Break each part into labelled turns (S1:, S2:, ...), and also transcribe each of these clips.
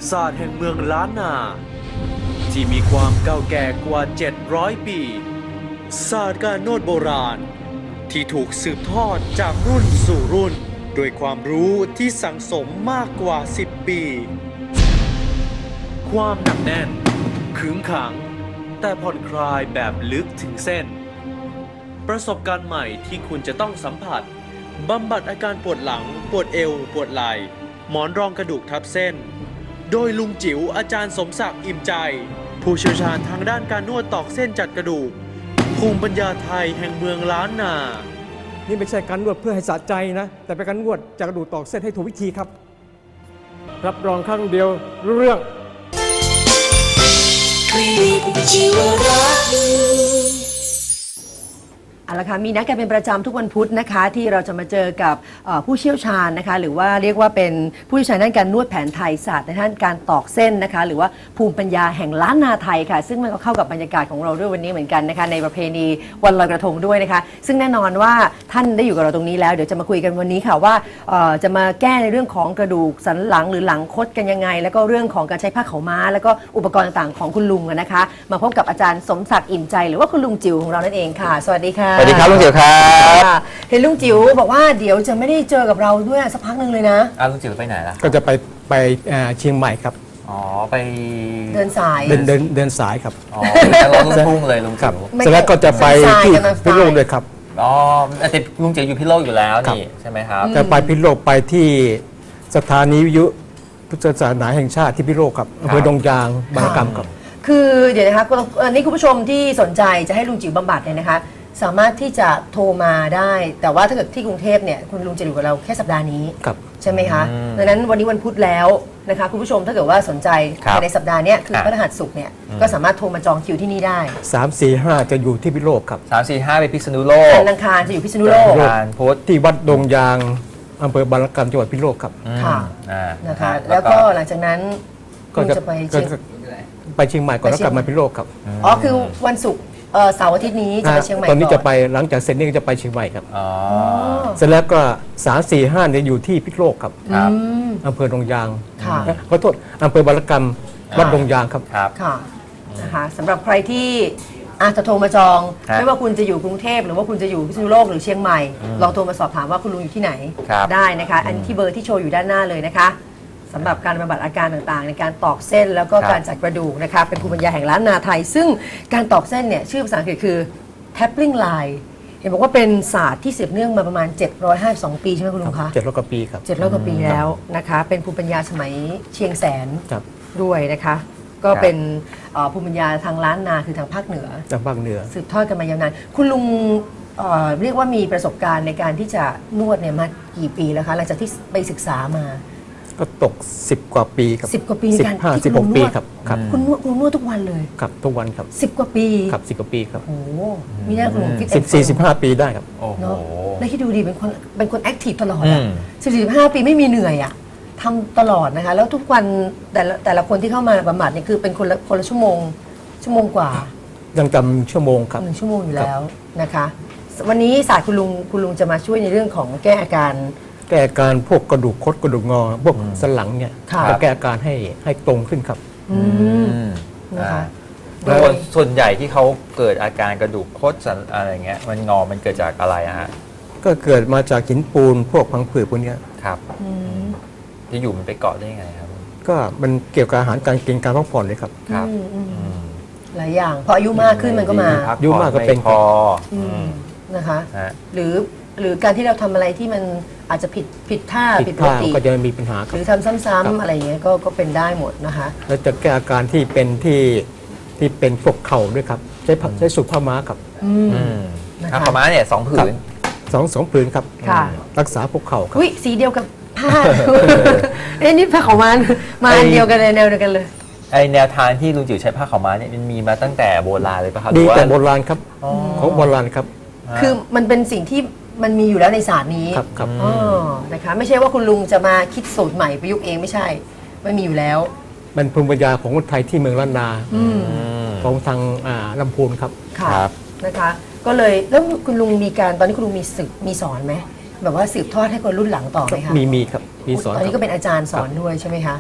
S1: ศาสตร์แห่งเมืองล้านนาที่มีความเก่าแก่กว่า700 ปีศาสตร์การนวดโบราณที่ถูกสืบทอดจากรุ่นสู่รุ่นด้วยความรู้ที่สั่งสมมากกว่า10 ปีความหนักแน่นขึงขังแต่ผ่อนคลายแบบลึกถึงเส้นประสบการณ์ใหม่ที่คุณจะต้องสัมผัสบำบัดอาการปวดหลังปวดเอวปวดไหล่หมอนรองกระดูกทับเส้นโดยลุงจิ๋วอาจารย์สมศักดิ์อิ่มใจผู้เชี่ยวชาญทางด้านการนวดตอกเส้นจัดกระดูกภูมิปัญญาไทยแห่งเมืองล้านนา
S2: นี่ไม่ใช่การนวดเพื่อให้สะใจนะแต่เป็นการนวดจากกระดูกตอกเส้นให้ถูกวิธีครับรับรองครั้งเดียวรู้เรื่อง
S3: คลินิกชีวรักษ์
S4: เอาละค่ะมีนัดกันเป็นประจำทุกวันพุธนะคะที่เราจะมาเจอกับผู้เชี่ยวชาญนะคะหรือว่าเรียกว่าเป็นผู้เชี่ยวชาญด้านการนวดแผนไทยศาสตร์ในด้านการตอกเส้นนะคะหรือว่าภูมิปัญญาแห่งล้านนาไทยค่ะซึ่งมันก็เข้ากับบรรยากาศของเราด้วยวันนี้เหมือนกันนะคะในประเพณีวันลอยกระทงด้วยนะคะซึ่งแน่นอนว่าท่านได้อยู่กับเราตรงนี้แล้วเดี๋ยวจะมาคุยกันวันนี้ค่ะว่าจะมาแก้ในเรื่องของกระดูกสันหลังหรือหลังคดกันยังไงแล้วก็เรื่องของการใช้ผ้าขาวม้าแล้วก็อุปกรณ์ต่างๆของคุณลุงนะคะมาพบกับอาจารย์สมศักดิ์อิ่มใจหรือว่าคุณลุงจิ๋วของเรานั่นเองค่ะสวัสดีค่ะ
S5: สวัสดีครับลุงจิ๋วครับ
S4: เห็นลุงจิ๋วบอกว่าเดี๋ยวจะไม่ได้เจอกับเราด้วยสักพักหนึ่งเลยนะ
S5: ลุงจิ๋วไปไหนล่ะ
S2: ก็จะไปเชียงใหม่ครับ
S5: อ๋อไป
S4: เดินสาย
S2: เดินสายครับ
S5: อ๋อแล้วรถลุงพุ่งเลยลุงจิ๋ว
S2: เสร็จแล้วก็จะไปที่พิษณุโลกด้วยครับ
S5: อ๋อแต่ลุงจิ๋วอยู่พิษณุโลกอยู่แล้วนี่ใช่ไหมครับ
S2: จะไปพิษณุโลกไปที่สถานีวิทยุพุทธศาสนาแห่งชาติที่พิษณุโลกครับอำเภอดงยางบางระกำครับ
S4: คือเดี๋ยวนะคะนี่คุณผู้ชมที่สนใจจะให้ลุงจิ๋วบำบัดเนี่ยนะคะสามารถที่จะโทรมาได้แต่ว่าถ้าเกิดที่กรุงเทพเนี่ยคุณลุงจะอยู่กับเราแค่สัปดาห์นี้ใช่ไหมคะดังนั้นวันนี้วันพุธแล้วนะคะคุณผู้ชมถ้าเกิดว่าสนใจในสัปดาห์นี้คือพฤหัสศุกร์เนี่ยก็สามารถโทรมาจองคิวที่นี่ได้
S2: 3-4-5จะอยู่ที่พิษณุโลกครับ
S5: 3-4-5ไปพิษณุโลก
S4: อังคารจะอยู่พิษณุโลก
S5: โพส
S2: ที่วัดดงยางอำเภอบางระกำจังหวัดพิษณุโลกครับ
S4: ค่ะนะคะแล้วก็หลังจากนั้นก็จะไปเ
S2: ชียงใหม่ก่อนแล้วกลับมาพิษณุโลกครับ
S4: อ๋อคือวันศุกร์เสาร์อาทิตย์นี้จะไปเชียงใหม่
S2: ตอนนี้จะไปหลังจากเสร็จนี่ก็จะไปเชียงใหม่ครับเสร็จแล้วก็3-4-5เนี่ยอยู่ที่พิษณุโลกครับอำเภอดงยางขอโทษอำเภอบางระกำวัดดงยางครับ
S4: ค่ะนะคะสำหรับใครที่อาจจะโทรมาจองไม่ว่าคุณจะอยู่กรุงเทพหรือว่าคุณจะอยู่พิษณุโลกหรือเชียงใหม่ลองโทรมาสอบถามว่าคุณลุงอยู่ที่ไหนได้นะคะอันที่เบอร์ที่โชว์อยู่ด้านหน้าเลยนะคะสำหรับการบำบัดอาการต่างๆในการตอกเส้นแล้วก็การจัดกระดูกนะคะเป็นภูมิปัญญาแห่งล้านนาไทยซึ่งการตอกเส้นเนี่ยชื่อภาษาอังกฤษคือ tapping line เห็นบอกว่าเป็นศาสตร์ที่สืบเนื่องมาประมาณ752ปีใช่ไหมคุณลุงคะ
S2: 700 กว่าปีครับ
S4: 700 กว่าปีแล้วนะคะเป็นภูมิปัญญาสมัยเชียงแสนด้วยนะคะก็เป็นภูมิปัญญาทางล้านนาคือทางภาคเหนือสืบทอดกันมายาวนานคุณลุงเรียกว่ามีประสบการณ์ในการที่จะนวดเนี่ยมากี่ปีแล้วคะหลังจากที่ไปศึกษามา
S2: ก็ตก10 กว่าปีครับ
S4: 10 กว่าปี
S2: 15-16 ปีครับ
S4: คุณนวดทุกวันเลย
S2: ครับทุกวันครับ
S4: 10 กว่าปี
S2: ครับ10 กว่าปีครับ
S4: โอ้มีหน้าคุณฟิต
S2: 14-15 ปีได้ครับ
S4: เนาะแล้วที่ดูดีเป็นคนแอคทีฟตลอดอ่ะ14-15 ปีไม่มีเหนื่อยอ่ะทำตลอดนะคะแล้วทุกวันแต่ละคนที่เข้ามาบำบัดเนี่ยคือเป็นคนละชั่วโมงกว่า
S2: ยังจำชั่วโมงครับ
S4: 1 ชั่วโมงอยู่แล้วนะคะวันนี้ศาสตร์คุณลุงจะมาช่วยในเรื่องของแก้อาการ
S2: พวกกระดูกคดกระดูกงอพวกสันหลังเนี่ยจะแก้อาการให้ตรงขึ้นครับ
S4: นะคะ
S5: ส่วนใหญ่ที่เขาเกิดอาการกระดูกคดสันอะไรเงี้ยมันงอมันเกิดจากอะไรฮะ
S2: ก็เกิดมาจากหินปูนพวกพังผืดพวกนี้
S5: ครับที่อยู่มันไปเกาะได้ยังไงครับ
S2: ก็มันเกี่ยวกับอาหารการกินการพักผ่อนเลยครับ
S5: ครับ
S4: หลายอย่างพออายุมากขึ้นมันก็มา
S2: อายุมากก็เป็น
S5: พอ
S4: นะคะหรือการที่เราทำอะไรที่มันอาจจะผิดท่าผิดปกติ
S2: ก็จะมีปัญหา
S4: หรือทำซ้ำๆอะไรอย่างเงี้ยก็เป็นได้หมดนะคะ
S2: แล้วจะแก้อาการที่เป็นพวกเข่าด้วยครับใช้สูบผ้าม้าครับ
S5: ผ้าม้าเนี่ย2 ผืน
S2: 2 ผืนครับรักษาพวกเข่าครับ
S4: สีเดียวกับผ้านี่ผ้าขาวม้ามาเดียวกันเลยแนวเดียวกันเลย
S5: ไอแนวทางที่ลุงจิ๋วใช้ผ้าขาวม้าเนี่ยมันมีมาตั้งแต่โบราณเลยป่ะครับ
S2: ดีแต่โบราณครับของโบราณครับ
S4: คือมันเป็นสิ่งที่มันมีอยู่แล้วในศาสตร์นี้
S2: ครับ
S4: นะคะไม่ใช่ว่าคุณลุงจะมาคิดสูตรใหม่ประยุกต์เองไม่ใช่ไม่มีอยู่แล้ว
S2: มันภูมิปัญญาของคนไทยที่เมืองล้านนาของทางลำพูนครับ
S4: นะคะก็เลยแล้วคุณลุงมีการตอนนี้คุณลุงมีสอนไหมแบบว่าสืบทอดให้คนรุ่นหลังต่อไหมคะ
S2: มีครับมีสอน
S4: ตอนนี้ก็เป็นอาจารย์สอนด้วยใช่ไหมคะ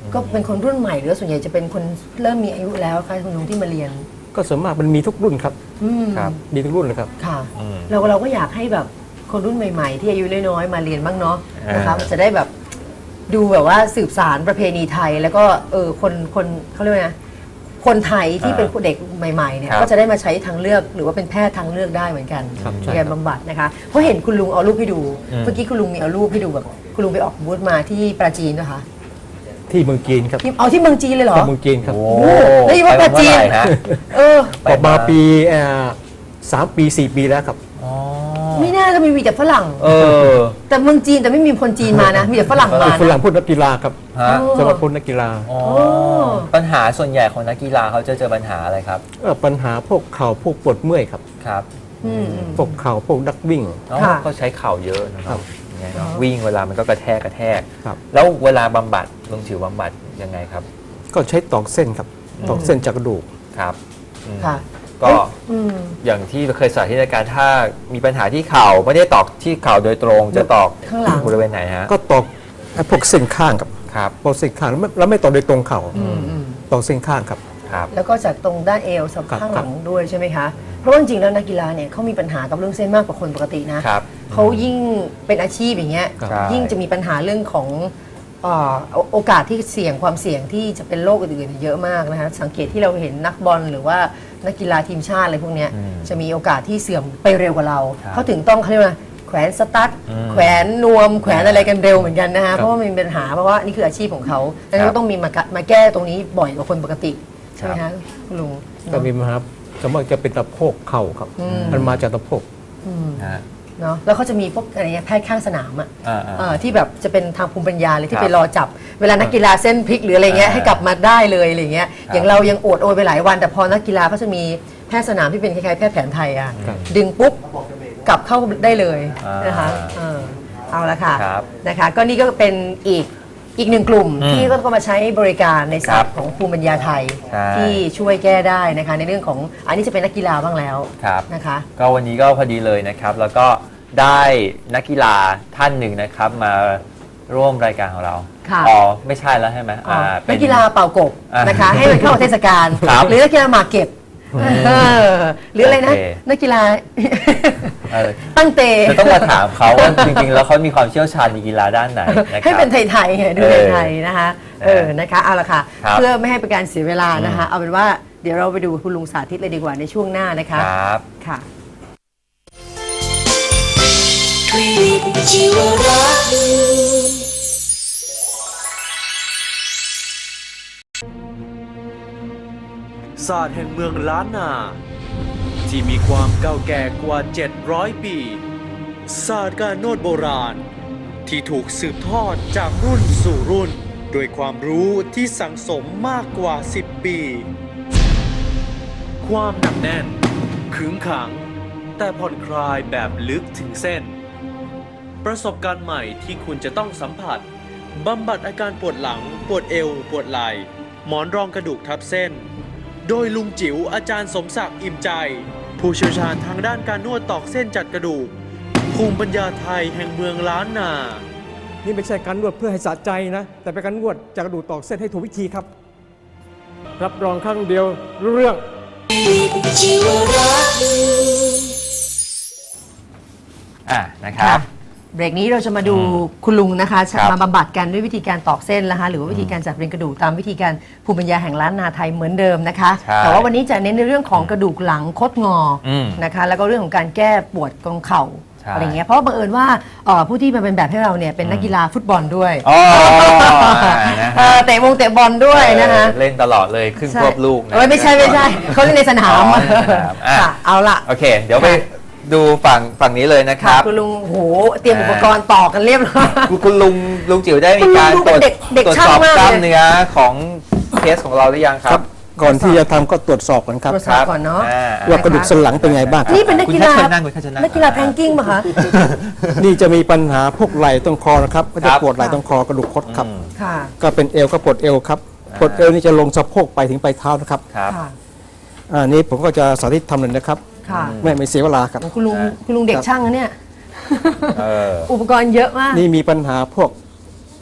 S4: ก็เป็นคนรุ่นใหม่หรือส่วนใหญ่จะเป็นคนเริ่มมีอายุแล้วคะคุณลุงที่มาเรียน
S2: ก็ส่วนมากมันมีทุกรุ่นครับ
S5: ครับ
S2: มีทุกรุ่นเลยครับ
S4: ค่ะ
S5: อืม
S4: เราก็อยากให้แบบคนรุ่นใหม่ๆ ที่อายุน้อยๆมาเรียนบ้างเนาะนะคะ
S5: อ่า
S4: จะได้แบบดูแบบว่าสืบสารประเพณีไทย แล้วก็คนเขาเรียกว่าไงคนไทยที่เป็นเด็กใหม่ๆเนี่ย
S5: ครับ
S4: ก็จะได้มาใช้ทางเลือกหรือว่าเป็นแพทย์ทางเลือกได้เหมือนกัน
S2: ครับ
S4: ในการบำบัดนะคะเพราะเห็นคุณลุงเอารูปให้ดู
S5: อืม
S4: เมื่อกี้คุณลุงมีเอารูปให้ดูแบบคุณลุงไปออกบูธมาที่ปราจีนนะคะ
S2: ที่เมืองจีนครับ
S4: ที่เอาที่เมืองจีนเลยเหรอ
S2: ที่เมืองจีนครับ
S5: โอ้
S4: โอ้แล้วอยู่ว่าปราจีน
S5: ไปเมื่อไหร่ฮะ
S4: เออ
S2: ออกมาปี3 ปี 4 ปีแล้วครับ
S5: อ๋อ
S4: ไม่น่าจะมีแต่ฝรั่ง
S5: เออ
S4: แต่เมืองจีนแต่ไม่มีคนจีนมานะ มีแต่ฝรั่งมา
S2: ฝรั่
S4: นะ
S2: งพูดนักกีฬาครับ
S5: ฮะ
S2: สำหรับคนนักกีฬา
S5: อ๋อ
S4: โอ้
S5: ปัญหาส่วนใหญ่ของนักกีฬาเขาจะเจอปัญหาอะไรครับ
S2: ปัญหาพวกเข่าพวกปวดเมื่อยครับ
S5: ครับ
S4: อืม
S2: พวกเข่าพวกนักวิ่ง
S5: อ๋อ
S4: ค่ะ
S5: เขาใช้เข่าเยอะนะค
S2: ครั
S5: รับบ อย่างเงี้ยเนอะวิ่งเวลามันก็กระแทก
S2: ครับ
S5: แล้วเวลาบำบัดลุงจิ๋วบำบัดยังไงครับ
S2: ก็ใช้ตอกเส้นครับตอกเส้นจากกระดูก
S5: ครับอืม
S4: ค่ะ
S5: ก็
S4: อืม
S5: อย่างที่เคยสาธิตในการถ้ามีปัญหาที่เข่าไม่ได้ตอกที่เข่าโดยตรงจะตอก
S4: ข้างหลัง
S5: บริเวณไหนฮะ
S2: ก็ตอกพวกเส้นข้างครับ
S5: ครับ
S2: พวกเส้นข้างแล้วไม่ตอกโดยตรงเข่า
S4: อืมอืม
S2: ตอกเส้นข้างครับ
S5: ครับ
S4: แล้วก็จากตรงด้านเอวสับ
S2: ครับ
S4: ข้างหลังด้วยใช่ไหมคะ เพราะว่าจริงๆแล้วนักกีฬาเนี่ยเขามีปัญหากับเรื่องเส้นมากกว่าคนปกตินะครับ เขายิ่งเป็นอาชีพอย่างเงี้ย
S5: ครับ
S4: ยิ่งจะมีปัญหาเรื่องของโอกาสที่เสี่ยงความเสี่ยงที่จะเป็นโรคอื่นๆเยอะมากนะคะสังเกตที่เราเห็นนักบอลหรือว่านักกีฬาทีมชาติอะไรพวกเนี้ย
S5: อืม
S4: จะมีโอกาสที่เสื่อมไปเร็วกว่าเรา
S5: ครับ
S4: เขาถึงต้องเขาเรียกว่าแขวนสตั๊ด
S5: อืม
S4: แขวนนวม แขวนอะไรกันเร็วเหมือนกันนะคะเพราะว่ามันมีปัญหาเพราะว่านี่คืออาชีพของเขาดังนั้นก็ต้องมีมาแก้ตรงนี้บ่อยกว่าคนปกติใช่ไหมคะคุณลุง
S2: ก็มีปัญหาสมมติจะเป็นตะโพกเข่าครับ มันมาจากตะโพก
S4: อืม
S5: ฮะ
S4: เนาะแล้วเขาจะมีพวกอะไรเงี้ยแพทย์ข้างสนามอ่ะ
S5: อ่า
S4: ที่แบบจะเป็นทางภูมิปัญญาเลย
S5: ค
S4: ที่
S5: รับ
S4: ไปรอจับ เวลานักกีฬาเส้นพลิกหรืออะไรเงี้ย
S5: อ่า
S4: ให้กลับมาได้เลยอะไรเงี้ย
S5: ครับ
S4: อย่างเรายังโอดโอยไปหลายวัน แต่พอนักกีฬาเขาจะมีแพทย์สนามที่เป็นคล้ายๆแพทย์แผนไทยอ่ะ
S2: ครับ
S4: ดึงปุ๊บกลับเข้าได้เลย
S5: อ่าน
S4: นะคะเอาละค่ะ
S5: ครับ
S4: นะคะก็นี่ก็เป็นอีกหนึ่งกลุ่ม
S5: อืม
S4: ที่ก็มาใช้บริการในศาสตร์
S5: ครับ
S4: ของภูมิปัญญาไทย
S5: ใช่
S4: ที่ช่วยแก้ได้นะคะในเรื่องของอันนี้จะเป็นนักกีฬาบ้างแล้ว
S5: ครับ
S4: นะคะ
S5: ก็วันนี้ก็พอดีเลยนะครับ แล้วก็ได้นักกีฬาท่านหนึ่งนะครับ มาร่วมรายการของเรา
S4: ค่ะ
S5: อ๋อไม่ใช่แล้วใช่ไหม
S4: นักกีฬาเป่ากบ
S5: อ่าน
S4: นะคะ ให้มันเข้าเทศกาล
S5: ครับ
S4: หรือนักกีฬาหมากเก็บหรืออะไรนะ
S5: โอเค
S4: นักกีฬา
S5: เออ
S4: ตั้งเต
S5: จะต้องมาถามเขาว่าจริงๆ แล้วเขามีความเชี่ยวชาญในกีฬาด้านไหนนะครับ
S4: ให้เป็นไทยๆไงดูไทยๆนะคะนะคะเอาละค่ะ
S5: ครับ
S4: เพื่อไม่ให้เป็นการเสียเวลานะคะ เอาเป็นว่าเดี๋ยวเราไปดูคุณลุงสาธิตเลยดีกว่าในช่วงหน้านะคะ
S5: ครับ
S4: ค่ะ
S3: คลินิกชีวรักษ์
S1: ศาสตร์แห่งเมืองล้านนา ที่มีความเก่าแก่กว่า 700 ปี ศาสตร์การนวดโบราณ ที่ถูกสืบทอดจากรุ่นสู่รุ่น ด้วยความรู้ที่สังสมมากกว่า 10 ปี ความหนักแน่น ขึงขัง แต่ผ่อนคลายแบบลึกถึงเส้น ประสบการณ์ใหม่ที่คุณจะต้องสัมผัส บำบัดอาการปวดหลัง ปวดเอว ปวดไหล่ หมอนรองกระดูกทับเส้น โดยลุงจิ๋วอาจารย์สมศักดิ์อิ่มใจ ผู้เชี่ยวชาญทางด้านการนวดตอกเส้นจัดกระดูก ภูมิปัญญาไทยแห่งเมืองล้านนา
S2: นี่ไม่ใช่การนวดเพื่อให้สะใจนะ แต่เป็นการนวดจากกระดูกตอกเส้นให้ถูกวิธีครับ รับรองครั้งเดียวรู้เรื่อง
S3: ชีวรักษ์
S5: นะครับ
S4: เบรกนี้เราจะมาดูคุณลุงนะคะ
S5: ครับ
S4: มาบำบัดกันด้วยวิธีการตอกเส้นนะคะหรือว่าวิธีการจัดเรียงกระดูกตามวิธีการภูมิปัญญาแห่งล้านนาไทยเหมือนเดิมนะคะ
S5: ใช่
S4: แต่ว่าวันนี้จะเน้นในเรื่องของกระดูกหลังคดงออ
S5: ม
S4: นะคะแล้วก็เรื่องของการแก้ปวดตรงเข่า
S5: ใช่
S4: อะไรเงี้ยเพราะว่าบังเอิญว่าผู้ที่มาเป็นแบบให้เราเนี่ยเป็นนักกีฬาฟุตบอลด้วย
S5: อ๋อนะฮะ
S4: เตะบอลด้วยนะคะ
S5: เล่นตลอดเลยครึ่งควบลูกนะ
S4: ไม่ใช่เขาเล่นในสนาม
S5: อ๋อในสนามอ่ะ
S4: ค่ะเอาละ
S5: โอเค เดี๋ยวไปดูฝั่งนี้เลยนะค
S4: ค่ะ
S5: รับ
S4: คุณลุงโหเตรียมอุปกรณ์ต่อกันเรียบร้อย
S5: คุณลุงจิ๋วได้มีการ
S4: คุณลุงดูเป็นเด็ก
S5: ตรวจ
S4: ช่าง
S5: สอบ
S4: มากเลย
S5: กล้ามเนื้อของเคสของเราหรือยังครับ
S2: ก่อนที่จะทำก็ตรวจสอบกันครับ
S4: ตรวจสอบก่อนเนาะ
S2: ว่ากระดูกสันหลังเป็นไงบ้างครับ
S4: นี่เป็นนักกีฬา
S5: คุณแค่เชิญนั่งคุณแค่เชิญนั่ง
S4: นักกีฬาแพงกิ้งป่ะคะ
S2: นี่จะมีปัญหาพวกไหล่ต้นคอนะครับก็จะ
S5: ครับ
S2: ปวดไหล่ต้นคอกระดูกคดครับ
S5: อืม
S4: ค่ะ
S2: ก็เป็นเอวก็ปวดเอวครับปวดเอวนี่จะลงสะโพกไปถึงปลายเท้านะครับ
S5: ครับ
S4: ค่ะ
S2: นี่ผมก็จะสาธิตทำเลยนะครับ
S4: ค่ะ
S2: ไม่เสียเวลาครับ
S4: คุณลุงเด็กช่างนะเนี่ย
S5: เออ
S4: อุปกรณ์เยอะมาก
S2: นี่มีปัญหาพวก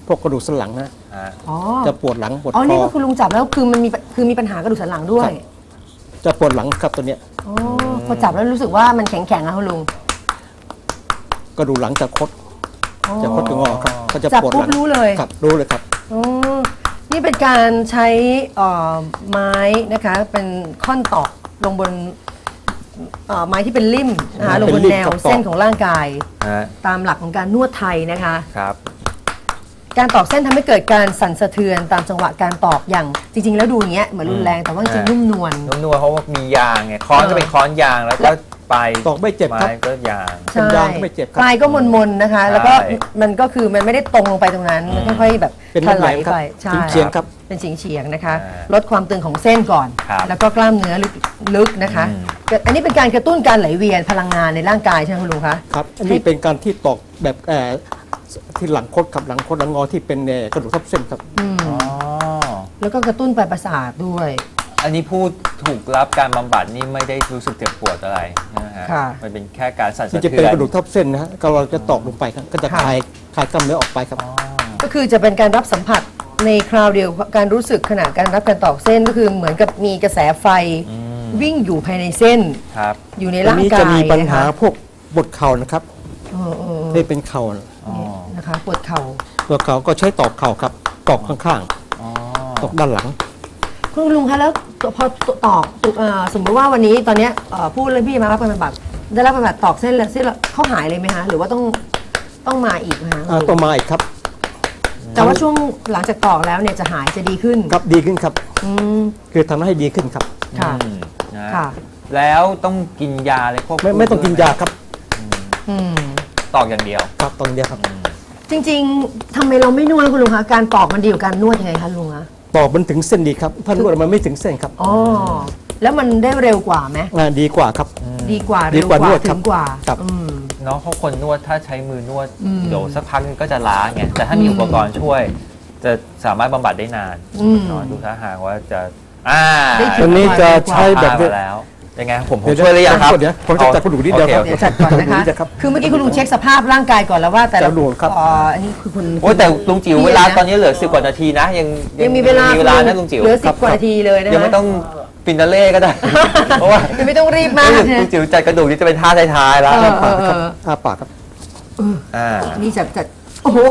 S2: พวกกระดูกสันหลังนะ
S5: ฮะ
S4: อ๋อ
S2: จะปวดหลังปวด
S4: อ๋อ
S2: ค
S4: นี่
S2: อ
S4: ก็คุณลุงจับแล้วคือมันมีปัญหากระดูกสันหลังด้วย
S2: ครับ จะปวดหลังครับตัวเนี้ย
S4: อ๋อพอจับแล้วรู้สึกว่ามันแข็งๆนะคุณลุง
S2: กระดูกหลังจะคด
S4: อ๋อ
S2: จะคดจะงอครับก็จะ
S4: จับ
S2: ปวด
S4: ปุ๊
S2: ห
S4: บ
S2: ลัง
S4: รู้เลย
S2: ครับรู้เลยครับ
S4: อ๋อนี่เป็นการใช้ไม้นะคะเป็นค่อนตอกลงบนไม้ที่เป็นริ่มนะคะลงบนแนว
S2: เป็นริ่มครับ
S4: เส้นของร่างกาย
S5: ฮะ
S4: ตามหลักของการนวดไทยนะคะ
S5: ครับ
S4: การตอกเส้นทำให้เกิดการสั่นสะเทือนตามจังหวะการตอกอย่างจริง ๆ แล้วดูอย่างเงี้ยเหมือนรุนแรงแต่ว่าจริงๆนุ่มนวล
S5: นุ่มนวลเพราะว่ามียางไงค้อนก็เป็นค้อนยางแล้วก็ปลาย
S2: ตอกไม่เจ็บครับ
S5: ไม้ก็ยาง
S2: เป็นยางก็ไม่เจ็บครับ
S4: ปลายก็มนๆนะคะ แล้วก็
S5: ใช่
S4: มันก็คือมันไม่ได้ตรงลงไปตรงนั้น มันค่อยๆแบบ
S2: เป็น
S4: ถลาย
S2: แหลมๆครับ
S4: ไปใช่
S2: เฉียงๆครับ
S4: เป็นเฉียงๆนะคะ
S5: อ่า
S4: ลดความตึงของเส้นก่อน
S5: ครับ
S4: แล้วก็กล้ามเนื้อลึกนะคะ
S5: อืม
S4: อันนี้เป็นการกระตุ้นการไหลเวียนพลังงานในร่างกายใช่ไหมคุณลุงคะ
S2: ครับอันนี้เป็นการที่ตอกแบบที่หลังคดครับหลังคดหลังงอที่เป็นกระดูกทับเส้นครับ
S5: อ๋อ
S4: แล้วก็กระตุ้นปลายประสาทด้วย
S5: อันนี้ผู้ถูกรับการบำบัดนี่ไม่ได้รู้สึกเจ็บปวดอะไรนะฮะ
S4: ค่ะ
S5: มันเป็นแค่การสั่น
S2: ที่
S5: สะ
S2: จะ
S5: เทื
S2: เป็น
S5: อน
S2: กระดูกทับเส้นนะฮะก็เราจะตอกลงไปครับก็จะ
S4: ค่ะ
S2: คลายกล้ามเนื้อออกไปครับ
S5: อ๋อ
S4: ก็คือจะเป็นการรับสัมผัสในคราวเดียวการรู้สึกขณะการรับการตอกเส้นก็คือเหมือนกับมีกระแสไฟวิ่งอยู่ภายในเส้น
S5: ครับ
S4: อยู่ใน
S2: ตรง
S4: ร่าง
S2: นี้
S4: กาย
S2: จะมีปัญหา
S4: นะคะ
S2: พวกปวดเข่านะครับ
S4: เออ
S2: ที่เป็นเข่า
S5: อ๋อ
S4: นะคะปวดเข่า
S2: ปวดเข่าก็ใช้ตอกเข่าครับตอกข้าง
S5: อ๋อ
S2: ๆตอกด้านหลัง
S4: คุณลุงคะแล้วพอตอกสมมติว่าวันนี้ตอนเนี้ยผู้เล่นพี่มารับการบำบัดได้รับบำบัดตอกเส้นแล้วเส้นเขาหายเลยไหมคะหรือว่าต้องมาอีกไหมคะ
S2: ตัวมาอีกครับ
S4: แต่ว่าช่วงหลังจากตอกแล้วเนี่ยจะหายจะดีขึ้น
S2: ครับดีขึ้นครับ
S4: อืม
S2: คือทำให้ดีขึ้นครับ
S4: ค่ะ
S5: อืมนะ
S4: ค่ะ
S5: แล้วต้องกินยาอะไรพวก
S2: ไม่ต้องกินยาครับ
S4: อืม
S5: ตอกอย่างเดียว
S2: ครับตรงเดียวครับ
S4: จริงๆทำไมเราไม่นวดคุณลุงคะการตอกมันดีกว่าการนวดยังไงคะลุงคะ
S2: ตอกมันถึงเส้นดีครับถ้านวดมันไม่ถึงเส้นครับ
S4: อ๋อแล้วมันได้เร็วกว่าไหม
S2: ดีกว่าครับ
S4: ดีกว่า
S2: ดี
S4: เร็ว
S2: กว่าก
S4: ว่าน
S2: วด
S4: ถึ
S2: ครับ
S4: งกว่า
S2: ครับ
S4: อืม
S5: เนาะเพราะคนนวดถ้าใช้มือนวด
S4: อืม
S5: เดี๋ยวสักพักนึงก็จะล้าไงแต่ถ้ามีอุปกรณ์ช่วย จะสามารถบำบัดได้นาน
S4: อืม
S5: เนาะดูท่าทางว่าจะ
S4: ได้ผ
S2: ตัวนี้จะใช้แบบ
S5: มาแล้วยังไงผม
S2: เดี๋ยว
S5: ช่วยหรือยังครับ
S2: เดี๋ยวผมจะจัดกระดูกนิดเดียวครับ
S5: โอ
S4: เดี๋ยวจัดก่อนนะคะ
S2: เดี๋ยวครับ
S4: คือเมื่อกี้คุณลุงเช็คสภาพร่างกายก่อนแล้วว่าแต่ละ
S2: จะดูครับ
S4: อันนี้คือคุณ
S5: โอ้ยแต่ลุงจิ๋ว
S4: พี่
S5: เวลา
S4: นะ
S5: ตอนนี้เหลือ10 กว่านาทีนะ
S4: ยังมีเวลา
S5: นะลุงจิ๋ว
S4: เหลือ10 กว่านาทีเลยนะคะ
S5: ยังไม่ต้องฟินาเล่ก็ได้ เพราะว่า
S4: ยังไม่ต้องรีบมาก
S5: ลุ
S4: นะ
S5: งจิ๋วจัดกระดูกนี่จะเป็นท่าท้ายๆแล้ว
S2: อ้าปากครับ
S5: อ่า
S4: นี่จัดโอ้โห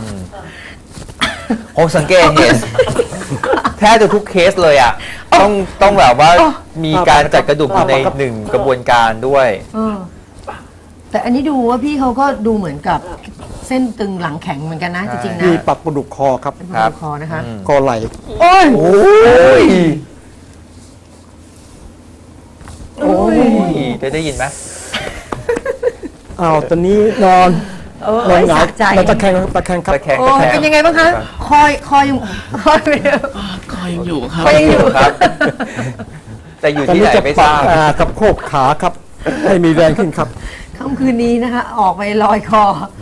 S5: ผมสังเกตเห็นแทบจะทุกเคสเลยอ่ะต้องแบบว่ามีการจัดกระดูกอยู่ในหนึ่งกระบวนการด้วย
S4: เออแต่อันนี้ดูว่าพี่เขาก็ดูเหมือนกับเส้นตึงหลังแข็งเหมือนกันนะจริงๆนะ
S2: มีปรับกระดูกคอครับ
S4: เป็น
S5: ครับ
S4: คอนะคะ
S2: คอไหล่
S4: โอ้ย
S5: โอ้ย
S4: โอ้ย
S5: ได้ยินไหม
S2: อ้าวตอนนี้นอน
S4: เออน
S2: อนหงาย
S4: สะใจ
S2: นอนตะแคงครับตะแคงครับ
S5: ตะแคง
S4: โอ้
S5: ตะแคง
S4: เป็นยังไงบ้างคะคอยยังคอยไม่ได้
S1: ก็ยังอยู่ครับ
S4: คอยยังอยู่
S5: ครับ แต่อยู่
S2: ตอน
S5: ที่
S2: นี้
S5: ไหน
S2: จะ
S5: ไม่
S2: ป
S5: ท
S2: รับ
S5: ราบ
S2: กับโคกขาครับ ให้มีแรงขึ้นครับ
S4: ค่ำคืนนี้นะคะ ออกไปลอยคอ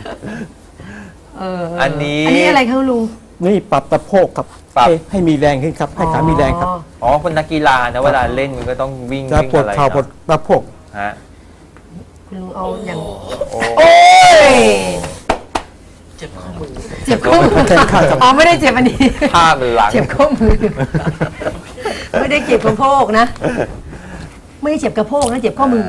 S4: อัน
S5: นี้
S4: อะไรคะคุณลุง
S2: นี่ปรับตะโพกครับ
S5: ปรับ
S2: ให้มีแรงขึ้นครับ ให้ขามีแรงครับ
S5: อ๋อคนนักกีฬานะเวลาเล่นมันก็ต้องวิ่ง
S2: จะ
S5: วิ่ง
S2: ปวด
S5: อะไร
S2: เข่าปวด
S5: เนาะ
S2: ตะโพก
S5: ฮะ
S4: คุณลุงเอาอย่าง
S5: โอ้
S4: โอ้ย
S1: เจ็บข้อมือ
S4: เจ็บข้อมือ
S2: แข้งข้างครับ
S4: อ๋อไม่ได้เจ็บอันนี้
S5: ภาพมันหลัง
S4: เจ็บข้อมือ ไม่ได้เจ็บกระโพกนะ ไม่ได้เจ็บกระโพกนะเจ็บข้อมือ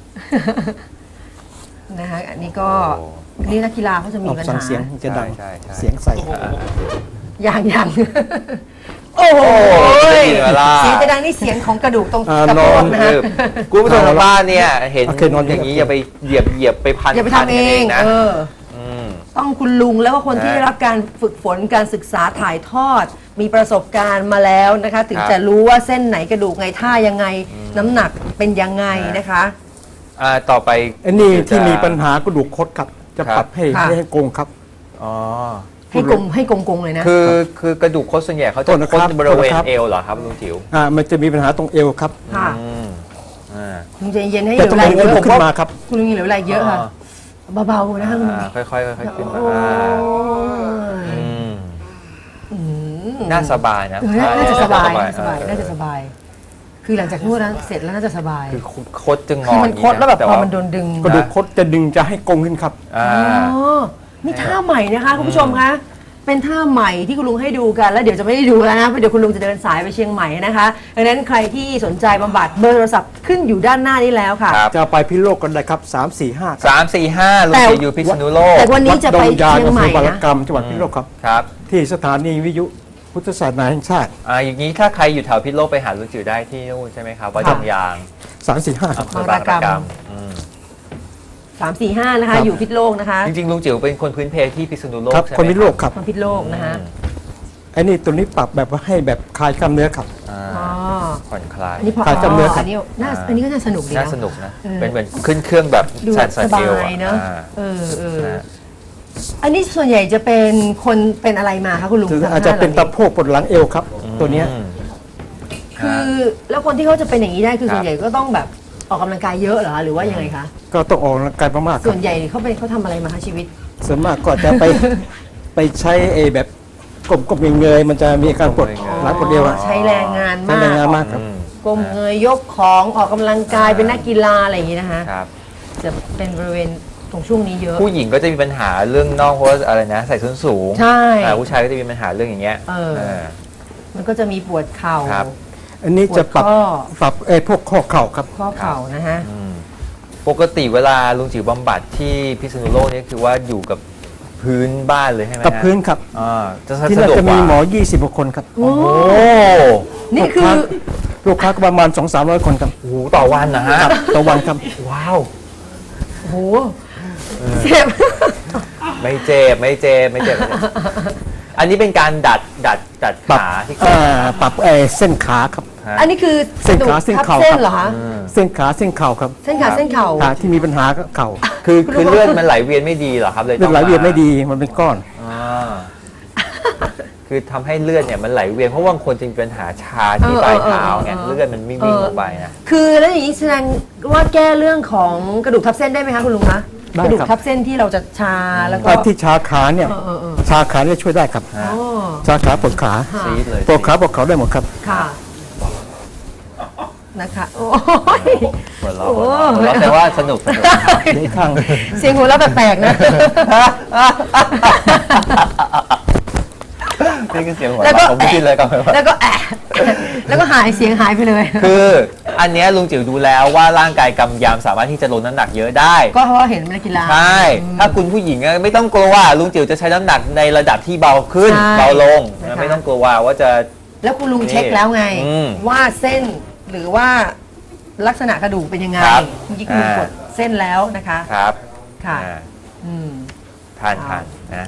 S4: นะคะอันนี้ก็นี่นักกีฬาเขาจะมี
S2: ออก
S4: ปัญ
S2: สั่ง
S4: หา
S2: เสียงจะดัง
S5: ใช่ใช่
S2: เสียงใส่
S4: อย่างโอ้โห
S5: ได้ยินเวลา
S4: เสียงจะดังนี่เสียงของกระดูกตรง
S2: น
S4: กระโพ
S2: อก น
S4: นะฮะ
S5: คุณผู้ชมทางบ้านเนี่ยเห็น
S2: โอเคนอน
S5: อย่างนี้อย่าไปเหยียบไปพัน
S4: อย่าไป
S5: พัน
S4: ทำเอ
S5: กัน
S4: ง
S5: นะ
S4: เออ
S5: ม
S4: ต้องคุณลุงแล้วก็คนที่
S5: นะ
S4: ได้รับการฝึกฝนการศึกษาถ่ายทอด มีประสบการณ์มาแล้วนะคะ ถึง
S5: ครับ
S4: จะรู้ว่าเส้นไหนกระดูกไงท่ายังไง น้ำหนักเป็นยังไงนะคะ
S5: ต่อไป
S2: อันนี้ที่มีปัญหากระดูกคดครับ จะ
S5: ครับ
S2: ปรับให้
S4: ค่ะ
S2: ให้โกงครับ
S5: อ๋อ
S4: ให้กงๆเลยนะ
S5: คือกระดูกคดส่วนใหญ่เขาจะ
S2: โทษนะ
S5: ค
S2: ครั
S5: ด
S2: บ
S5: บริเวณ
S2: โทษนะครับ
S5: เอวเหรอครับลุงจิ๋ว
S2: มันจะมีปัญหาตรงเอวครับ
S4: ค่ะ
S5: อืมอ่า
S4: คุณใจเย็นให้เห
S2: แต่
S4: ลว
S2: ต้อง
S4: ไหล
S2: ดึง
S4: เย
S2: มัน
S4: อะ
S2: ขึ้นมาครับ
S4: คุณลุงเหลวไหลเยอะค่ะ เบาๆนะคะคุณลุง
S5: ค่อยๆค่อยๆขึ้นมา
S4: โอ้ย
S5: อืมน่าสบายนะ
S4: น่าจะสบายน่าจะสบาย
S5: เออ
S4: น่าจะสบาย คือหลังจากนวดแล้วเสร็จแล้วน่าจะสบาย
S5: คือคดจะงอ
S4: คือมัน
S5: ย่าง
S4: คดแล้วแบบ
S5: ต่
S4: พอมันโดนดึง
S2: กระดูกคดจะดึงจะให้โกงขึ้นครับ
S5: อ่า
S4: อ๋อนี่ท่าใหม่นะคะคุณผู้ชมคะเป็นท่าใหม่ที่คุณลุงให้ดูกันแล้วเดี๋ยวจะไม่ได้ดูแล้วนะเพราะเดี๋ยวคุณลุงจะเดินสายไปเชียงใหม่นะคะดังนั้นใครที่สนใจบำบัดเบอร์โทรศัพท์ขึ้นอยู่ด้านหน้านี้แล้วค่ะ
S5: ครับ
S2: จะไปพิษณุโลกกันได้ครับ3 4 5
S5: 3 4 5ลุงจิ๋วอยู่พิษณุโลก
S4: แต่วันนี้จะไป
S2: วัดดงยาง
S4: เชียง
S2: อำ
S4: ให
S2: เภ
S4: ม่
S2: อบาร
S4: นะ
S2: กรรมจังหวัดพิษณุโลกครับ
S5: ครับ
S2: ที่สถานีวิทยุพุทธศาสนาแห่งชาติ
S5: อย่างนี้ถ้าใครอยู่แถวพิษณุโลกไปหาลุงจิ๋วได้ที่นู่นใช่ไหมครับวัดดงยาง
S2: 3 4 5ครับ
S5: อำเภอบางระกำ
S4: 345 นะคะ
S2: ครับ
S4: อยู่พิษณุโลกนะคะ
S5: จริงๆลุงจิ๋วเป็นคนพื้นเพที่พิษณุโลก
S2: ครับ
S5: ใช่ไหม
S2: คนพิษณุโลกครับ
S4: คนพิษณุโลกนะคะ
S2: ไอ้นี่ตัวนี้ปรับแบบว่าให้แบบคลายกล้ามเนื้อครับ
S5: อ่า
S4: อ๋อ
S5: ผ่อนคลาย
S4: อันนี้พอ
S2: ขายจำเนื้อครับ
S4: อันนี้น่าอันนี้ก็น่าสนุกดี
S5: น่า
S4: นะ
S5: สนุกนะ
S4: เออ
S5: เป็นเหมือนขึ้นเครื่องแบบ
S4: ดู
S5: แซ
S4: แบบ
S5: น
S4: ส
S5: ซา
S4: บา
S5: เกล
S4: ยเนอะ
S5: อ่า
S4: นะ อันนี้ส่วนใหญ่จะเป็นคนเป็นอะไรมาคะคุณลุง
S2: ถึง
S4: ทำ
S2: อาจจะเป็น
S4: ท่
S2: ตะโพกปวดหลังเอวครับ ตัวเนี้ย
S5: อืม
S4: คือแล้วคนที่เขาจะเป็นอย่างนี้ได้คือ
S5: ครับ
S4: ส่วนใหญ่ก็ต้องแบบออกกำลังกายเยอะเหรอคะหรือว่ายังไงคะ
S2: ก็ต้องออกกำลังกายมากๆค
S4: ส่
S2: รั
S4: ว
S2: บ
S4: นใหญ่เขาทำอะไรมาคะชีวิต
S2: ส่วนมากก็จะไป ไปใช้ไอ้แบบกลมๆเงยๆมันจะมีอาการปวดหลังปวดเอวอะ
S4: ใช้แรงงาน
S2: ใช้
S4: มาก
S2: แรงงานมากครับ
S5: อืม
S4: ก้มเงยยกของออกกำลังกายเป็นนักกีฬาอะไรอย่างนี้นะคะ
S5: ครับ
S4: จะเป็นบริเวณตรงช่วงนี้เยอะ
S5: ผู้หญิงก็จะมีปัญหาเรื่องน่องเพราะว่าอะไรนะใส่ส้นสูง
S4: ใช่
S5: ผู้ชายก็จะมีปัญหาเรื่องอย่างเงี้ย
S4: เออ
S5: เออ
S4: มันก็จะมีปวดเข่า
S5: ครับ
S2: อันนี้จะปรับ
S4: ปวดข้อ
S2: ปรับไอ้พวกข้อเข่าครับ
S4: ข้อเข่านะฮะ
S5: อืมปกติเวลาลุงจิ๋วบำบัดที่พิษณุโลกเนี่ยคือว่าอยู่กับพื้นบ้านเลยใช่ไหม
S2: กับ
S5: ฮะ
S2: พื้นครับ
S5: จะ
S2: ที่
S5: สะ
S2: นั่น
S5: ดวก
S2: จะ
S5: ก
S2: มี
S5: ว่า
S2: หมอ 20กว่าคนครับ
S4: โอ้
S5: โอ้
S4: นี่คือ
S2: ลูกค้าก็ประมาณ 200-300 คนครับ
S5: โหต่อวันนะฮะ
S2: ต่อวันครับ
S5: ว้าว
S4: โอ้โหเจ็บ
S5: ไม่เจ็บไม่เจ็บไม่เจ็บไม่เจ็บอันนี้เป็นการดัด
S2: ปรับ
S5: ขาที่
S2: ปรับเส้นขาครับ
S5: ฮะ
S4: อันนี้คือ
S2: เส้นขาเส้น
S4: ทับ
S2: เข่า
S4: เส้น
S2: ครับ
S4: เหรอคะ
S2: เส้นขาเส้นเข่าครับ
S4: เส้นขาเส้นเข่า
S2: ขาที่มีปัญหาก็เข่า
S5: คือเลือดมันไหลเวียนไม่ดีเหรอครับเลย
S2: เลือดไหลเวียนไม่ดีมันเป็นก้อน
S5: อ่าคือทำให้เลือดเนี่ยมันไหลเวียนเพราะว่าบางคนจะมีปัญหาชาที่ปลายเท้าไงเลือดมันไม่วิ่งลงไปนะ
S4: คือแล้วอย่างนี้แสดงว่าแก้เรื่องของกระดูกทับเส้นได้ไหมคะคุณลุงคะ
S2: ได้
S4: กระดูก
S2: ครับ
S4: ทับเส้นที่เราจะชาแล้วก็
S2: ที่ชาขาเนี่ย
S4: เออ
S2: ชาขาเนี่ยช่วยได้ครับ
S5: ฮะ
S4: อ๋อ
S2: ชาขาปวดขา
S4: ค่ะ
S5: ซีดเลย
S2: ปวดขาปวดเข่าได้หมดครับ
S4: ค่ะนะคะโอ้ย
S5: หัวเราะ
S4: โอ้
S5: หัวเราะแต่ว่าสนุก
S2: นี่ข้าง
S4: เสียงหัวเราะแปลกๆนะ
S5: นี่คือเสียงหัว
S4: แล้วก็
S5: เราะผมไม่คิดเลยก็
S4: แล้วก็แอะแล้วก็หายเสียงหายไปเลย
S5: คืออันเนี้ยลุงจิ๋วดูแล้วว่าร่างกายกำยำสามารถที่จะลดน้ำหนักเยอะได้
S4: ก็เพราะว่าเห็นนักกีฬา
S5: ใช่ ถ้าคุณผู้หญิงอะไม่ต้องกลัวว่าลุงจิ๋วจะใช้น้ำหนักในระดับที่เบาขึ้น
S4: ใช่
S5: เบาลง
S4: นะคะ
S5: ไม่ต้องกลัวว่าจะ
S4: แล้วคุณลุงเช็คแล้วไง
S5: อืม
S4: ว่าเส้นหรือว่าลักษณะกระดูกเป็นยังไง
S5: ครับ
S4: เมื่อกี้คุณลุงกดเส้นแล้วนะคะ
S5: ครับ
S4: ค่ะ
S5: อ่า
S4: อืม
S5: ทานนะ
S4: นะคะ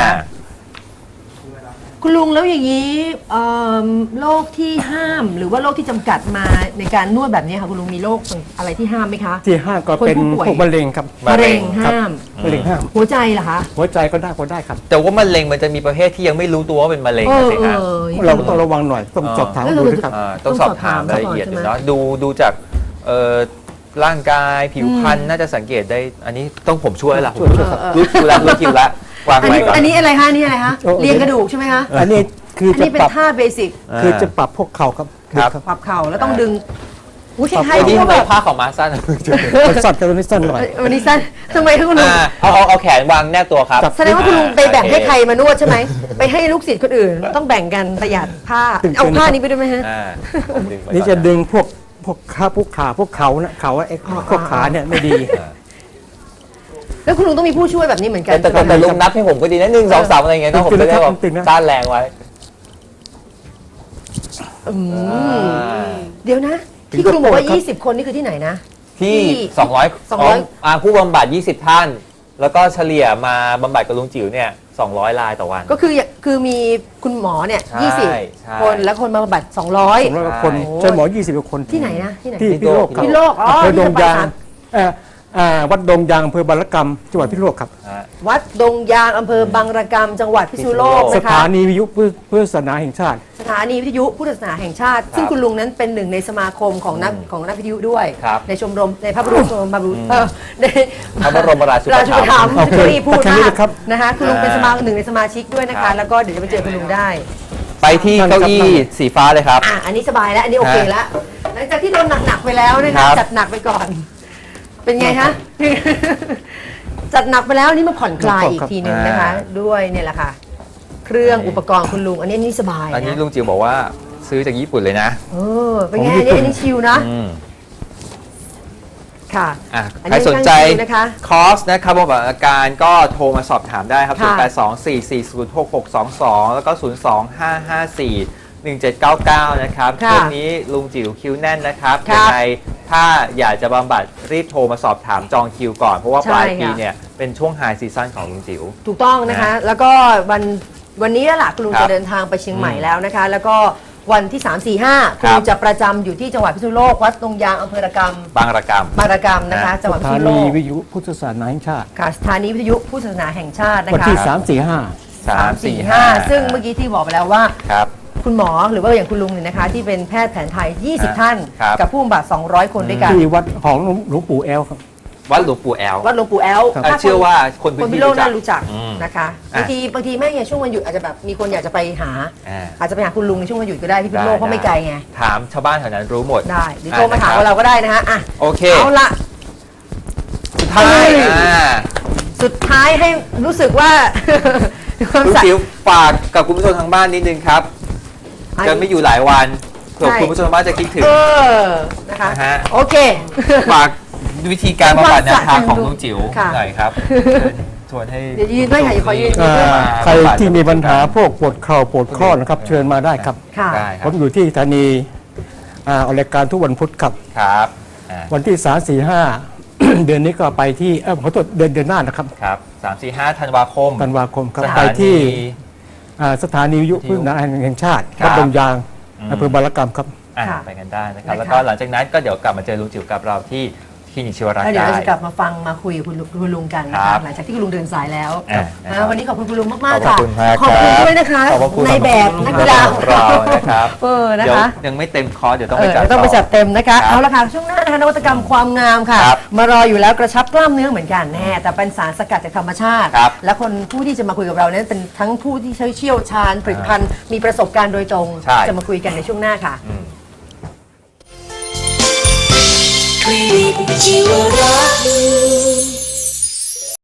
S4: คุณลุงแล้วอย่างนี้โรคที่ห้ามหรือว่าโรคที่จำกัดมาในการนวดแบบนี้ค่ะคุณลุงมีโรคอะไรที่ห้ามไหมคะ
S2: ที่ห้าก็เป็น
S4: คนผู้ป่วย
S2: พวกมะเร็งครับ
S4: มะเร็ง
S2: ครับ
S4: ห้าม
S2: มะเร็งห้าม
S4: หัวใจเหรอคะ
S2: หัวใจก็ได้ครับ
S5: แต่ว่ามะเร็งมันจะมีประเภทที่ยังไม่รู้ตัวว่าเป็นมะเร็ง
S4: เอ
S5: นะ
S4: อ
S5: สิ
S4: เอ
S5: ฮะ
S4: อ
S2: เราก็ต้องระวังหน่อยต้องสอบถามดูด้วยครับ
S5: ต้องสอบถามรายละเอียดดูเนาะดูจากร่างกายผิวพรรณน่าจะสังเกตได้ อันนี้ต้องผมช่วยละผมรู้คิวละวาง
S4: อัน
S5: ไว้
S4: นี้
S5: ก่อน
S4: อันนี้อะไรคะอันนี่อะไรคะ
S2: โอ้
S4: เรียงกระดูกใช่ไหมคะ
S2: อันนี้คือ
S4: อัน
S2: จะ
S4: นี้เป็
S2: ป
S4: น
S2: รับ
S4: ท่าเบสิก
S2: คือจะปรับพวกเข่าครับ
S5: ครับ
S4: ปรับเข่าแล้วต้องดึงอุ้ยคล้าย
S5: ไอ้
S4: ๆ
S5: นี่
S4: ที่
S5: ทำไม
S4: แบบ
S5: ผ้าของมาสั้น
S2: มันสั้นกับตัวนี้สั้นหน่อย
S4: วันนี้สั้นทำไมคะคุณลุง
S5: เอาแขนวางแนบตัวครับ
S2: ครับ
S4: แสดงว่าคุณลุงไปแบ่งให้ใครมานวดใช่ไหมไปให้ลูกศิษย์คนอื่น ต้องแบ่งกันประหยัดผ้าเอาผ้านี้ไปด้วยไหมฮะ
S2: นี่จะดึงพวกขาพวกเขานะเขาไอ้พวกขาเนี่ยไม่ดี
S4: แล้วคุณลุงต้องมีผู้ช่วยแบบนี้เหมือนกัน
S5: แต่ลุงนับให้ผมก็ดีนะ1 2 3อะไรเงี้ยต้องผมจะได้แบบ
S2: ตึงๆนะ
S5: ต้านแรงไว้
S4: เดี๋ยวนะ ที่คุณลุงบอกว่า 20 คนนี่คือที่ไหนนะ
S5: ที่
S4: 200
S5: 200ผู้บำบัด20 ท่าน แล้วก็เฉลี่ยมาบำบัดกับลุงจิ๋วเนี่ย200 รายต่อวัน
S4: ก็คือมีคุณหมอเนี่ย
S5: ใช่ใช่
S4: 20 คนแล้วคนมาบำบัด 200
S2: 200กว่าคนใช้หมอ20กว่าคน
S4: ที่ไหนนะที่ไหน
S2: ที่พิษณุโลกครับ
S4: พิษณุโลกอ๋อ
S2: อำเภอดงยาง
S4: ที่จะไป
S2: วัดดงยางอำเภอบารกรรมจังหวัดพิษณุโลกครับ
S4: วัดดงยางอำเภอบางระกำจังหวัดพิษณุโลก
S2: ส
S4: นะคะ
S2: ถานีวิทยุเพื่อศาสนาแห่งชาติ
S4: สถานีวิทยุพุทธศาสนาแห่งชาติ ซึ่งคุณลุงนั้นเป็นหนึ่งในสมาคมของนักวิทยุด้วย
S5: ครับ
S4: ในชมรมในพระบรมชมรมบารุใน
S5: พระบรมราชูป
S4: ราชูป
S5: ถั
S4: ถั
S5: ม
S4: ม
S5: ภ์
S4: ภ์
S2: โอเค
S4: ที่พูด
S2: แค่
S4: มา
S2: นี้
S4: ก
S2: นะครับ
S4: นะคะคุณลุงเป็นหนึ่งในสมาชิกด้วยนะ
S5: ครั
S4: คะ
S5: บ
S4: แล้วก็เดี๋ยวจะไปเจอคุณลุงได้
S5: ไปที่เก้าอี้สีฟ้าเลยครับ
S4: อันนี้สบายแล้วอันนี้โอเคแล้วหลังจากที่โดนหนักๆไปแล้วนะ
S5: ครั
S4: คะ
S5: บ
S4: จัดหนักไปก่อน เป็นไงคะ จัดหนักไปแล้วนี่มาผ่อนคลายอีกทีหนึ่งนะคะ ด้วยเนี่ยแหละค่ะเครื่องอุปกรณ์คุณลุงอันนี้สบาย
S5: อันนี้
S4: นะ
S5: ลุงจิ๋วบอกว่าซื้อจากญี่ปุ่นเลยนะ
S4: เป็นไงอันนี้ชิลนะ ค่ะ
S5: อ่ะ
S4: อัน
S5: ใคร
S4: นี้
S5: สนใจ
S4: ช่างคิวนะคะ
S5: คอร์สนะครับบำบัดอาการก็โทรมาสอบถามได้ครับ
S4: ค่ะ
S5: 0824406622 แล้วก็ 025541799 นะครับ
S4: ค่ะ
S5: ช่วงนี้ลุงจิ๋วคิวแน่นนะครับ
S4: ครับ
S5: ยังไงถ้าอยากจะบำบัดรีบโทรมาสอบถามจองคิวก่อน เพราะว่า
S4: ใช่
S5: ปลายปี
S4: ค่ะ
S5: เนี่ยเป็นช่วงไฮซีซั่นของลุงจิ๋ว
S4: ถูกต้องนะคะ แล้วก็วันนี้แหละคุณลุง
S5: ครับ
S4: จะเดินทางไปเชียงใหม่แล้วนะคะ แล้วก็วันที่ 3 4 5 คุณลุงจะประจำอยู่ที่จังหวัดพิษณุโลกวัดตรงยางอำเภอระกำ
S5: บางระกำ
S4: บางระกำนะคะ จังหวัด
S2: ส
S4: พิษ
S2: ถา
S4: ณุโล
S2: นี
S4: ก
S2: วิทยุพุทธศาสนาแห่งชาติ
S4: ค่ะสถานีวิทยุผู้ศาสนาแห่งชาตินะคะ
S2: วันที่
S4: 3-4-5 ซึ่งเมื่อกี้ที่บอกไปแล้วว่า
S5: ครับ
S4: คุณหมอหรือว่าอย่างคุณลุงเนี่ยนะคะ ที่เป็นแพทย์แผนไทย 20 ท่าน
S5: ครับ
S4: กับผู้บำบัด 200 คนด้วยกัน
S2: 3-4-5ที่วัดของหลวงปู่แอลครับ
S5: วัดหลวงปู่แอล
S4: วัดหลวงปู่แอล
S2: ครับ
S4: ถ้า
S5: เชื่อว่าคน
S4: ค
S5: พื้
S4: น
S5: น
S4: พิ
S5: ที่
S4: โลก
S5: รู้จั
S4: น่าก รู้จัก
S5: อืม
S4: นะคะ
S5: อ่ะ
S4: บางทีแม่เนี่ยช่วงวันหยุดอาจจะแบบมีคนอยากจะไปหา
S5: อ่า
S4: อาจจะไปหาคุณลุงในช่วงวันหยุดก็ได้ที่พิษณุโลกเพราะไม่ไกลไง
S5: ถามชาวบ้านแถวนั้นรู้หมด
S4: ได้หรือโทรมาถามเราก็ได้นะคะอ่ะ
S5: โอเค
S4: เอาละ
S5: สุดท้าย
S4: เฮ้ย
S5: อ่า
S4: สุดท้ายให้รู้สึกว่า ความ
S5: ลุง
S4: สั
S5: จิ๋วฝากกับคุณผู้ชมทางบ้านนิดนึงครับจะไม่อยู่หลายวันเผื่อ
S4: ใช่
S5: คุณผู้ชมทางบ้านจะคิดถึง
S4: นะคะ
S5: นะฮะ
S4: โอเค
S5: ฝากวิธีการบำบัดแนวทางของ
S4: ความสะใจ
S5: ลุงจิ๋ว
S4: ค่ะ
S5: หน่อยครับชวนให้
S4: เดี๋ยวยืนด้วยค่ะอย่าขอยืน
S2: ใครที่มีปัญหาพวกปวดเข่าปวดข้อนะครับ เชิญมาได้ครับ
S4: ค่ะ
S5: ได้ค
S2: ผ
S5: รับ
S2: มอยู่ที่สถานีออกรายการทุกวันพุธครับ
S5: ครับอ่า
S2: วันที่ 3-4-5 เดือนนี้ก็ไปที่ขอโทษเดือนหน้านะครับ
S5: ครับ3-4-5 ธันวาคม
S2: ธันวาคมครับ
S5: สถานี
S2: ไปที่สถานีวิทยุพุทธศาสนาแห่งชาติ
S5: ครับ
S2: วัดดงยาง
S5: อืม
S2: อำเภอบารกรรมครับ
S5: อ่ะ
S4: ค่ะ
S5: ไปกันได้นะครับ
S4: นะคะ
S5: แล้วก็หลังจากนั้นก็เดี๋ยวกลับมาเจอลุงจิ๋วกับเราที่คลินิกชีวรัก
S4: แล้ว
S5: ษ์
S4: เดี๋ยว
S5: ได้
S4: เราจะกลับมาฟังมาคุยกับคุณลุงกันนะ
S5: ครั
S4: คะ
S5: บ
S4: หลังจากที่คุณลุงเดินสายแล้ว
S5: อ่ะ
S4: วันนี้ขอบคุณคุณลุงมากๆ
S5: ขอบ
S4: ค่ะ
S5: คุณมาก
S4: ขอบคุณ
S5: ครับ
S4: ด้วยนะคะ
S5: ขอบคุณ
S4: ในแบบนักกีฬา
S5: ของเรานะครับ
S4: นะ
S5: เดี๋ยว
S4: คะ
S5: ยังไม่เต็มคอร์สเดี๋ยวต้องไปจัด
S4: ต้องไปจัด
S5: ต่อ
S4: เต็มนะคะ
S5: ครับ
S4: เอาละค่ะช่วงหน้านะคะนวัตกรรมความงามค่ะ
S5: ครับ
S4: มารออยู่แล้วกระชับกล้ามเนื้อเหมือนกันแน่แต่เป็นสารสกัดจากธรรมชาติ
S5: ครับ
S4: และคนผู้ที่จะมาคุยกับเรานั้นเป็นทั้งผู้ที่เชี่ยวชาญผลิตภัณฑ์มีประสบการณ์โดยตรง
S5: ใช่
S4: จะมาคุยกันในช่วงหน้าค่ะ
S5: อืม
S3: คลินิกชีวรักษ์